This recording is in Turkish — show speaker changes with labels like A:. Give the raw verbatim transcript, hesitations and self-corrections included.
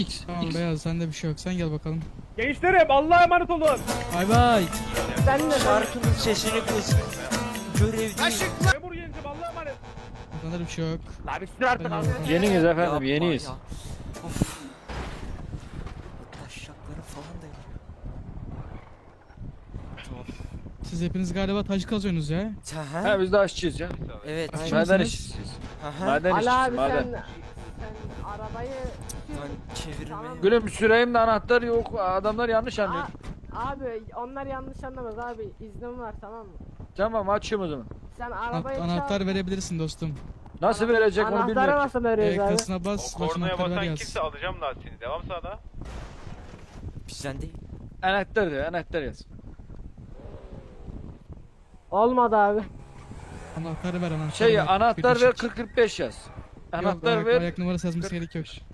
A: Tamam beyaz, sende bir şey yok. Sen gel bakalım.
B: Gençlerim Allah'a emanet olun.
A: Bay bay.
C: Sen de şarkının sesini kız. Görev değil.
B: Memur gencim Allah'a emanet.
A: Sende de bir şey yok.
B: La bir sür artık abi.
D: Yeniyiz efendim,
C: Yapma
D: yeniyiz.
C: ya. Of. Taşaklarım falan da yanıyor. Tamam.
A: Siz hepiniz galiba tacı kazıyorsunuz ya.
C: Sen
D: Ha biz de aşçıyız ya.
C: Evet.
A: Aynen.
D: Maden
A: Kimsiniz?
D: işçisiyiz.
C: Aha.
D: Maden
E: Ali
D: işçisi,
E: abi
D: maden.
E: sen, sen arabayı
C: Lan çevirme.
E: Tamam.
D: Gülüm süreyim de anahtar yok. Adamlar yanlış anlıyor.
E: A- abi onlar yanlış anlamaz abi, iznim var tamam mı?
D: Tamam açayım o zaman.
E: Sen
A: Ana-
E: arabayı
A: anahtar
E: çal.
A: verebilirsin dostum.
D: Nasıl verecek onu
E: Anahtarı
D: bilmiyorum.
E: nasıl veriyoruz
A: E,
E: abi?
A: kasına bas,
F: O
A: baş
F: kornaya
A: anahtarı ver
F: basan
A: yaz.
F: kimse alacağım lastiğini. Devam sağda.
C: Bizden değil.
D: Anahtar diyor, anahtar yaz.
E: Olmadı abi.
A: Anahtarı ver anahtarı
D: Şey
A: ver.
D: anahtar ver
A: Bitmişik.
D: kırk kırk beş yaz.
A: Yok,
D: Anahtar
A: ayak,
D: ver.
A: ayak numarası yazması gerek yok.